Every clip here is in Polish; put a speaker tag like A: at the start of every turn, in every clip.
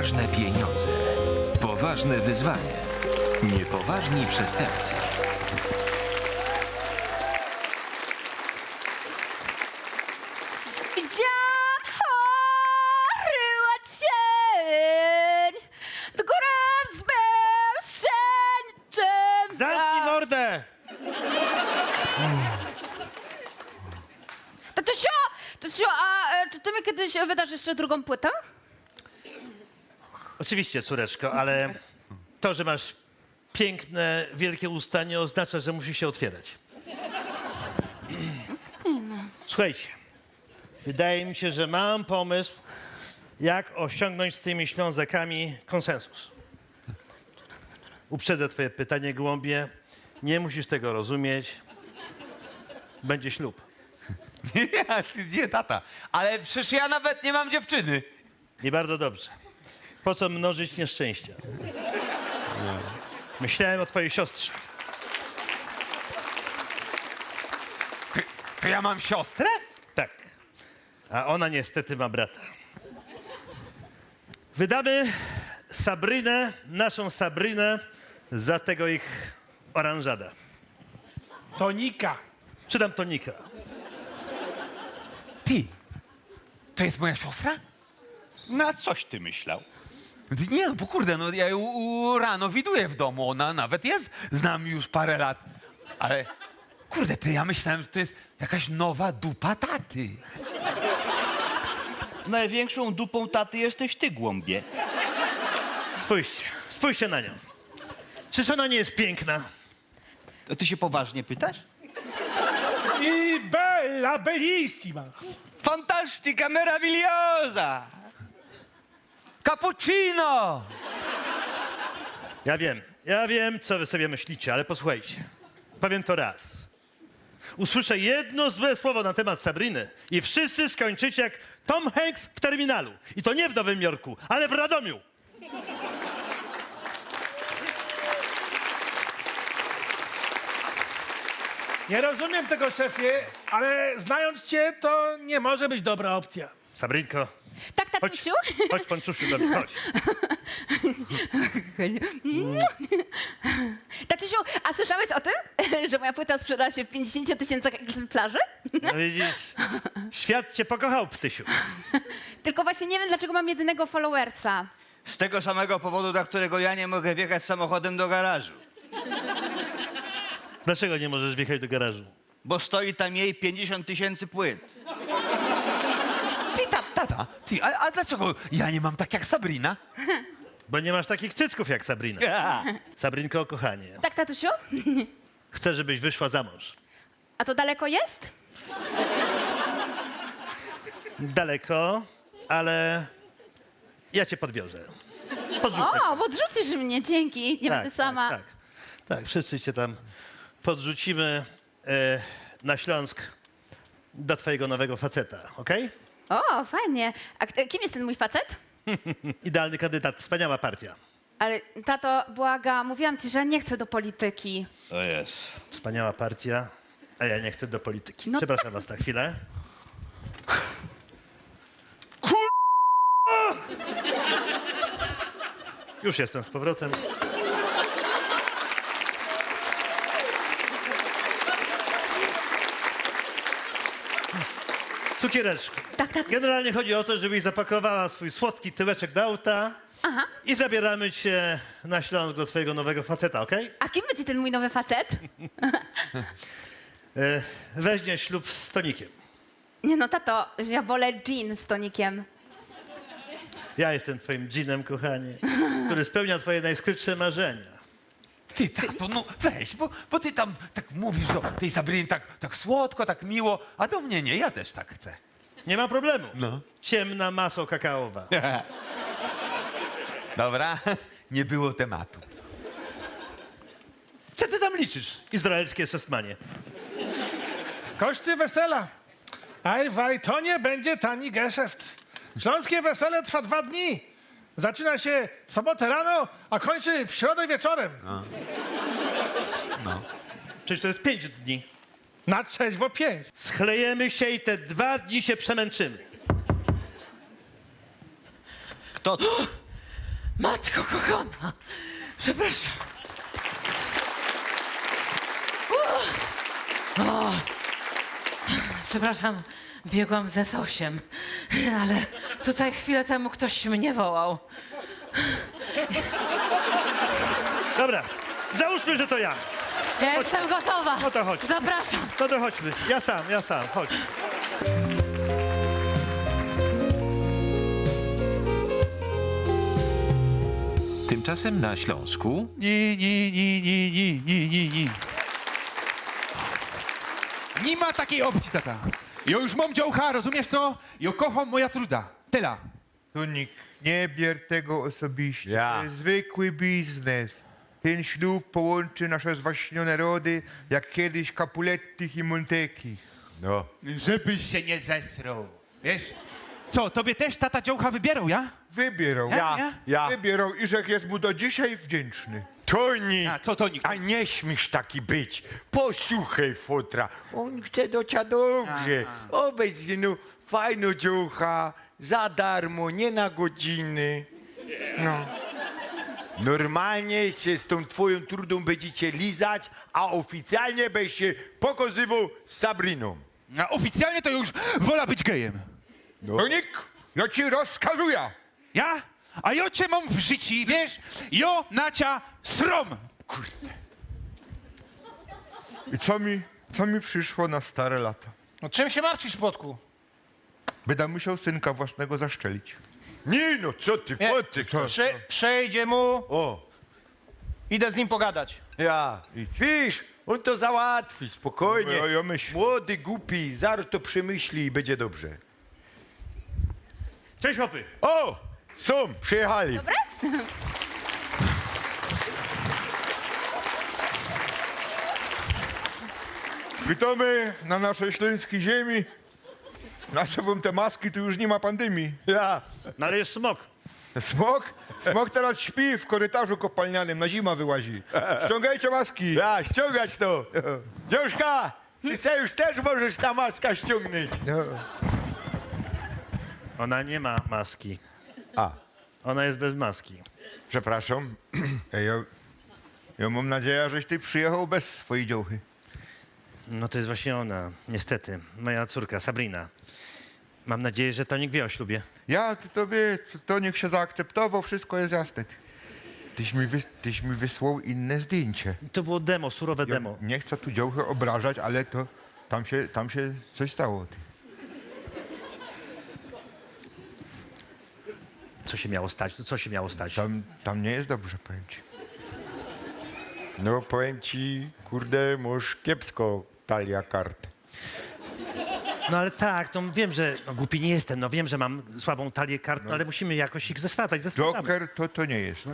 A: Poważne pieniądze. Poważne wyzwanie. Niepoważni przestępcy.
B: Widziałam chory cień, do góry wzbył się niczym
C: Zamknij mordę!
B: Tatusiu, a czy ty mi kiedyś wydasz jeszcze drugą płytę?
C: Oczywiście, córeczko, ale to, że masz piękne, wielkie usta, nie oznacza, że musi się otwierać. Słuchajcie, wydaje mi się, że mam pomysł, jak osiągnąć z tymi ślązakami konsensus. Uprzedzę twoje pytanie, gołąbie. Nie musisz tego rozumieć. Będzie ślub.
D: Gdzie tata? Ale przecież ja nawet nie mam dziewczyny.
C: I bardzo dobrze. Po co mnożyć nieszczęścia? Myślałem o twojej siostrze.
D: To ja mam siostrę?
C: Tak. A ona niestety ma brata. Wydamy Sabrynę, naszą Sabrynę, za tego ich oranżada.
E: Tonika.
C: Czy tam tonika?
D: Ty, to jest moja siostra?
F: Na coś ty myślał?
D: Nie, no bo kurde, no ja ją rano widuję w domu, ona nawet jest z nami już parę lat. Ale kurde, ty, ja myślałem, że to jest jakaś nowa dupa taty.
F: Największą dupą taty jesteś ty, głąbie.
C: Spójrzcie na nią. Czyż ona nie jest piękna?
F: To ty się poważnie pytasz?
E: I bella, bellissima.
F: Fantastica, meravigliosa!
D: Cappuccino!
C: Ja wiem, co wy sobie myślicie, ale posłuchajcie. Powiem to raz. Usłyszę jedno złe słowo na temat Sabryny i wszyscy skończycie jak Tom Hanks w Terminalu. I to nie w Nowym Jorku, ale w Radomiu.
E: Nie rozumiem tego, szefie, ale znając cię, to nie może być dobra opcja.
C: Sabrynko,
B: Tak,
C: chodź,
B: tatusiu?
C: chodź ponczusiu do mnie, chodź.
B: Tatusiu, a słyszałeś o tym, że moja płyta sprzedała się w 50 000 egzemplarzy?
C: No widzisz, świat cię pokochał, ptysiu.
B: Tylko właśnie nie wiem, dlaczego mam jedynego followersa.
F: Z tego samego powodu, dla którego ja nie mogę wjechać samochodem do garażu.
C: Dlaczego nie możesz wjechać do garażu?
F: Bo stoi tam jej 50 000 płyt.
D: Ty, tata, ty, a dlaczego ja nie mam tak jak Sabrina?
C: Bo nie masz takich cycków jak Sabrina. Sabrynko, kochanie,
B: Tak, tatusiu?
C: chcę, żebyś wyszła za mąż.
B: A to daleko jest?
C: Daleko, ale ja cię podwiozę. Podrzucę.
B: O, podrzucisz mnie, dzięki. Nie będę sama.
C: Tak, wszyscy cię tam podrzucimy na Śląsk do twojego nowego faceta, okej?
B: O, fajnie. A kim jest ten mój facet?
C: Idealny kandydat, wspaniała partia.
B: Ale tato, błaga, mówiłam ci, że nie chcę do polityki.
F: O jest.
C: Wspaniała partia, a ja nie chcę do polityki.
B: No
C: Przepraszam was na chwilę. Już jestem z powrotem. Cukiereczku.
B: Tak.
C: Generalnie chodzi o to, żebyś zapakowała swój słodki tyłeczek do auta i zabieramy cię na Śląsk do twojego nowego faceta, okej?
B: A kim będzie ten mój nowy facet?
C: Weźmiesz ślub z tonikiem.
B: Nie no, tato, ja wolę gin z tonikiem.
C: Ja jestem twoim dżinem, kochanie, który spełnia twoje najskrytsze marzenia.
D: Ty, tato, no weź, bo ty tam tak mówisz do tej Sabriny tak słodko, tak miło, a do mnie nie, ja też tak chcę.
C: Nie ma problemu.
D: No.
C: Ciemna maso kakaowa.
D: Dobra, nie było tematu.
C: Co ty tam liczysz, izraelskie sesmanie?
E: Koszty wesela. Aj, to nie będzie tani geszeft. Śląskie wesele trwa 2 dni. Zaczyna się w sobotę rano, a kończy w środę wieczorem.
C: Przecież to jest 5 dni.
E: Na trzeźwo 5.
C: Schlejemy się i te 2 dni się przemęczymy.
F: Kto to?
G: Matko kochana, przepraszam. O, przepraszam, biegłam ze Sosiem, ale tutaj chwilę temu ktoś mnie wołał.
C: Dobra, załóżmy, że to ja.
G: Ja jestem gotowa.
C: No to chodź.
G: Zapraszam.
C: No to chodźmy. Ja sam, chodź.
A: Tymczasem na Śląsku
D: Nie.
H: Nie ma takiej opcji, tata. Ja już mam działka, rozumiesz to? Ja kocham moja truda. Tyle.
I: Tunik, nie bier tego osobiście.
D: Ja.
I: To jest zwykły biznes. Ten ślub połączy nasze zwaśnione rody, jak kiedyś Capulettich i Montecchi.
D: No.
H: Żebyś się nie zesrał. Wiesz? Co, tobie też tata działka wybierał, ja?
I: Wybierał.
D: Ja.
I: Wybierał i że jest mu do dzisiaj wdzięczny.
J: Toni,
H: A, co Tonik?
J: a nie śmiesz taki być. Posłuchaj fotra. On chce do ciebie dobrze. Obejrz, no, fajno dziołcha, za darmo, nie na godziny. No. Normalnie się z tą twoją trudą będziecie lizać, a oficjalnie będziesz się pokazywał z Sabriną.
H: A oficjalnie to już wola być gejem.
I: Tunik, ja ci rozkazuję.
H: Ja? A ja cię mam w życiu, wiesz? Jo nacia srom.
I: I co mi przyszło na stare lata?
E: No czym się martwisz, Płotku?
I: Będę musiał synka własnego zaszczelić.
J: Nie no, co ty,
E: Nie.
J: potyk.
E: Przejdzie mu,
J: O,
E: idę z nim pogadać.
J: ja. Wiesz, on to załatwi, spokojnie.
I: Ja myślę.
J: Młody, głupi, zaraz to przemyśli i będzie dobrze.
C: Cześć, chłopy.
J: O, są, przyjechali.
I: Witamy na naszej śląskiej ziemi. Na co wam te maski, tu już nie ma pandemii.
J: Ja.
C: No ale jest smok.
I: Smok? Smok teraz śpi w korytarzu kopalnianym, na zima wyłazi. Ściągajcie maski.
J: Ja, ściągać to. Dziążka, ty se już też możesz ta maska ściągnąć.
C: Ona nie ma maski.
J: A,
C: Ona jest bez maski.
J: przepraszam.
I: Ej, ja mam nadzieję, żeś ty przyjechał bez swojej dziołchy.
C: No to jest właśnie ona, niestety. Moja córka, Sabrina. Mam nadzieję, że Tonik wie o ślubie.
I: Ja, to wie, to niech się zaakceptował, wszystko jest jasne. Tyś mi wysłał inne zdjęcie.
C: To było demo, surowe
I: Ja
C: demo.
I: nie chcę tu dziołchy obrażać, ale to tam się coś stało.
C: Co się miało stać? Co się miało stać?
I: Tam nie jest dobrze, powiem ci.
J: No, powiem ci, kurde, masz kiepsko talia kart.
C: No ale tak, no wiem, że głupi nie jestem, no wiem, że mam słabą talię kart, no, ale musimy jakoś ich zeswatać.
I: Joker to nie jest.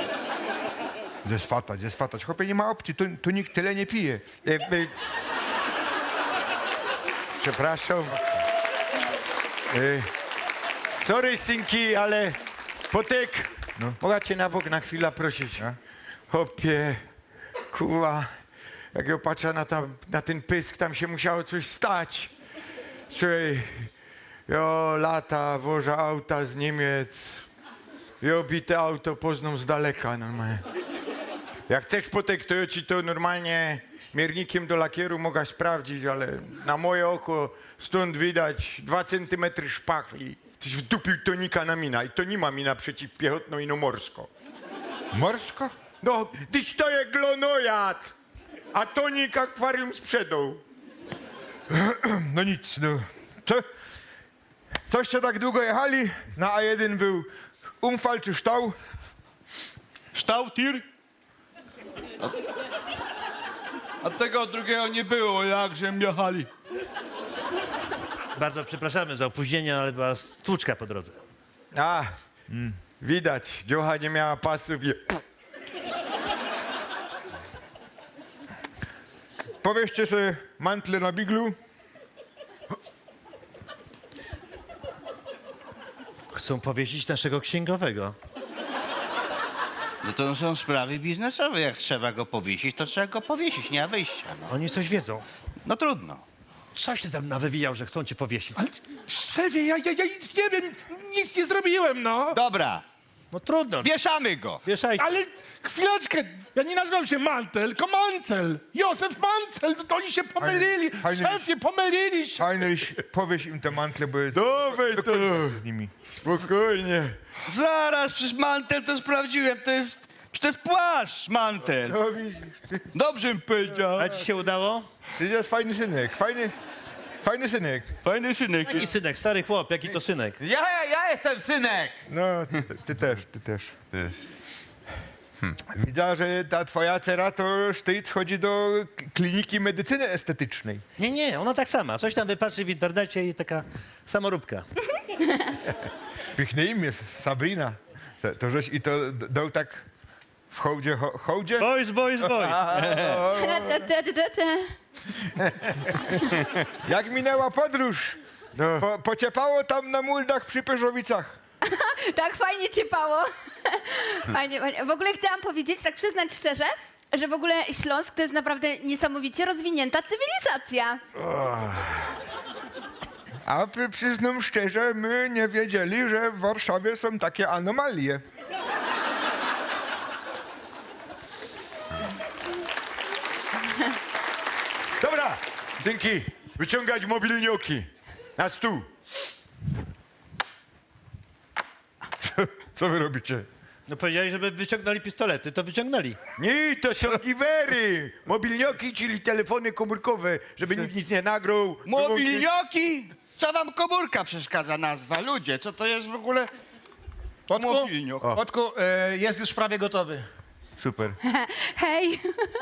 I: Zeswatać. Chłopie, nie ma opcji, tu nikt tyle nie pije.
J: Przepraszam. Sorry, synki, ale Potek, mogę cię na bok na chwilę prosić? Hopie, kurwa, jak ja patrzę na ten pysk, tam się musiało coś stać. Słuchaj, ja lata wożę auta z Niemiec, ja bite auto poznam z daleka normalnie. Jak chcesz, Potek, to ja ci to normalnie miernikiem do lakieru mogę sprawdzić, ale na moje oko stąd widać 2 centymetry szpachli. Tyś wdupił Tonika na mina i to nie ma mina przeciwpiechotną, ino morsko.
I: Morsko?
J: No, tyś to je glonojad, a Tonik akwarium sprzedał.
I: No nic, no. Coście tak długo jechali? Na A1 był Umfal czy Ształ?
K: Ształtir? A tego drugiego nie było, jakże jechali.
C: Bardzo przepraszamy za opóźnienie, ale była stłuczka po drodze.
J: A, widać, dziocha nie miała pasów i...
I: Powieście sobie mantle na biglu.
C: Chcą powiesić naszego księgowego.
F: No to są sprawy biznesowe. Jak trzeba go powiesić, to trzeba go powiesić, nie ma wyjścia. No,
C: Oni coś wiedzą.
F: no trudno.
C: Coś ty tam nawywijał, że chcą cię powiesić.
E: Ale szefie, ja nic nie wiem, nic nie zrobiłem, no.
F: Dobra,
C: No trudno.
F: Wieszamy go.
C: Wieszajcie.
E: Ale chwileczkę, ja nie nazywam się Mantel, tylko Mancel. Józef Mancel, to oni się pomylili. Szefie, pomylili się.
I: Heinrich, powieś im te mantle, bo jest...
J: Dawaj to.
I: z nimi.
J: Spokojnie.
F: Zaraz, przecież mantel to sprawdziłem, to jest płaszcz, mantel.
I: No widzisz,
F: Dobrze mi powiedział.
C: A ci się udało?
I: ty jest fajny synek, fajny synek.
F: Fajny synek.
C: Jaki synek, stary chłop, jaki to synek?
D: Ja jestem synek.
I: No, ty też. Widzę, że ta twoja cera to sztyc chodzi do kliniki medycyny estetycznej.
C: Nie, ona tak sama. Coś tam wypatrzy w internecie i taka samoróbka.
I: Piękne imię, Sabrina. To żeś i to dał tak w hołdzie?
C: Boys.
I: Jak minęła podróż? Pociepało tam na muldach przy Pyrzowicach.
B: Tak fajnie ciepało. Fajnie. W ogóle chciałam powiedzieć, tak przyznać szczerze, że w ogóle Śląsk to jest naprawdę niesamowicie rozwinięta cywilizacja.
I: A przyznam szczerze, my nie wiedzieli, że w Warszawie są takie anomalie.
J: Dobra, synki, wyciągać mobilnioki. Na stół.
I: Co wy robicie?
C: No powiedzieli, żeby wyciągnęli pistolety, to wyciągnęli.
J: Nie, to są giwery. Mobilnioki, czyli telefony komórkowe, żeby nikt nic nie nagrał.
F: Mobilnioki? Co wam komórka przeszkadza nazwa? Ludzie, co to jest w ogóle mobilniok?
E: Kotku, jest już prawie gotowy.
I: Super.
B: Hej.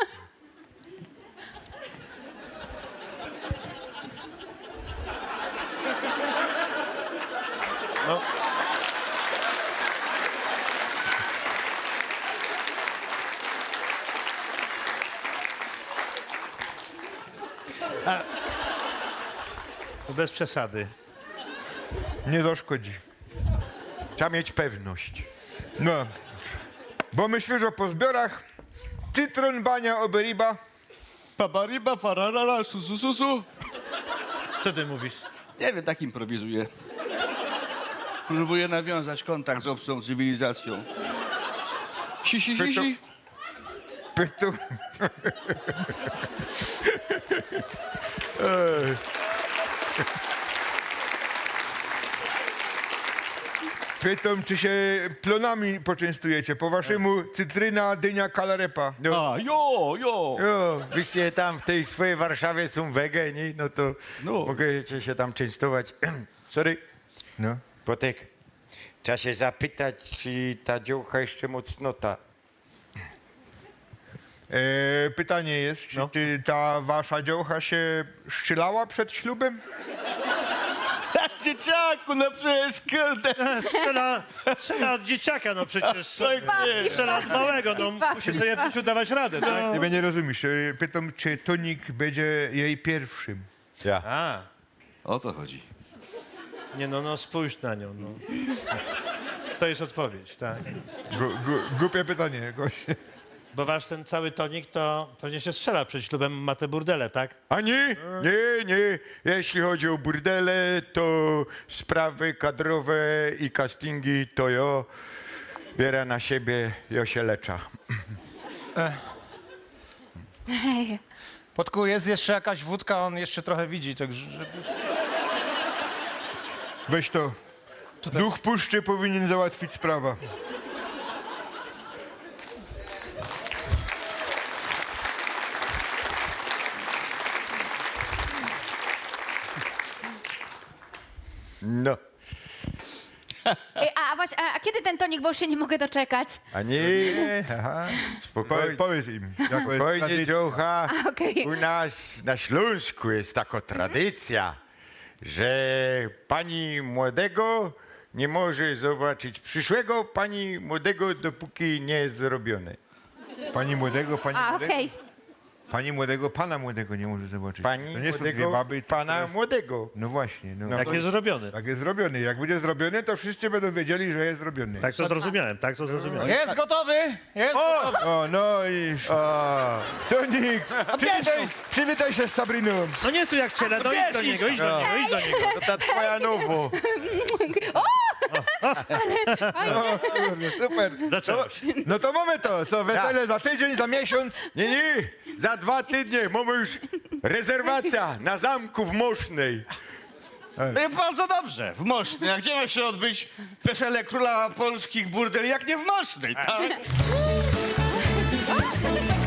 C: Bez przesady.
I: Nie zaszkodzi.
J: Trzeba mieć pewność.
I: No. Bo my świeżo po zbiorach. Cytron, bania, oberiba.
F: Babariba, fararara, su.
C: Co ty mówisz?
F: Nie wiem, tak improwizuję. Próbuję nawiązać kontakt z obcą cywilizacją. Si.
I: Pytam. Pytam, czy się plonami poczęstujecie. Po waszemu cytryna, dynia, kalarepa.
F: A, jo.
J: Jo, wyście tam w tej swojej Warszawie są wege, nie? No to mogę się tam częstować. Sorry,
I: No.
J: Potek. Trzeba się zapytać, czy ta dziołcha jeszcze mocnota.
I: Pytanie jest, czy ta wasza dziołcha się szczylała przed ślubem?
F: Tak, dzieciaku, no przecież, kurde.
C: Strzela od dzieciaka, no przecież.
F: nie.
C: Strzela od małego, no musi sobie w życiu dawać radę, tak?
I: Nie, nie rozumiesz. Pytam, czy tonik będzie jej pierwszym.
J: Ja.
C: A,
F: O to chodzi.
C: nie no, spójrz na nią, no. To jest odpowiedź, tak.
I: Głupie pytanie.
C: Bo wasz ten cały tonik to pewnie się strzela przed ślubem, ma te burdele, tak?
J: A nie. Jeśli chodzi o burdele, to sprawy kadrowe i castingi, to ja biorę na siebie, ja się leczę.
B: Hej.
E: Kotku, jest jeszcze jakaś wódka, on jeszcze trochę widzi, także...
I: Weź to. Duch puszczy powinien załatwić sprawę.
J: No.
B: A właśnie, a kiedy ten tonik, bo już się nie mogę doczekać?
J: A nie.
I: Aha.
J: Spokojnie.
I: Powiedz im.
J: Spokojnie, dziołcha.
B: Okej.
J: U nas na Śląsku jest taka tradycja, że pani młodego nie może zobaczyć przyszłego pani młodego, dopóki nie jest zrobione.
I: Pani młodego,
B: Okej.
I: Pani młodego, pana młodego nie może zobaczyć.
J: Pani
I: to nie są dwie
J: młodego,
I: baby.
J: pana młodego.
I: No właśnie. No.
C: Jak jest zrobiony.
I: Tak jest zrobiony. Jak będzie zrobiony, to wszyscy będą wiedzieli, że jest zrobiony.
C: Tak to zrozumiałem, tak to zrozumiałem.
E: Jest gotowy! Jest gotowy!
I: O, no i... Tonik, przywitaj się z Sabriną.
C: No nie są jak ciele, no idź do niego, idź do niego, idź do niego.
J: To ta twoja nowo.
I: Kurde, super.
C: Zaczęło się.
J: No to mamy to, co wesele za tydzień, za miesiąc? Nie, za 2 tygodnie mamy już rezerwacja na zamku w Mosznej.
F: No i bardzo dobrze, w Mosznej. A gdzie ma się odbyć wesele króla polskich burdeli, jak nie w Mosznej, tak?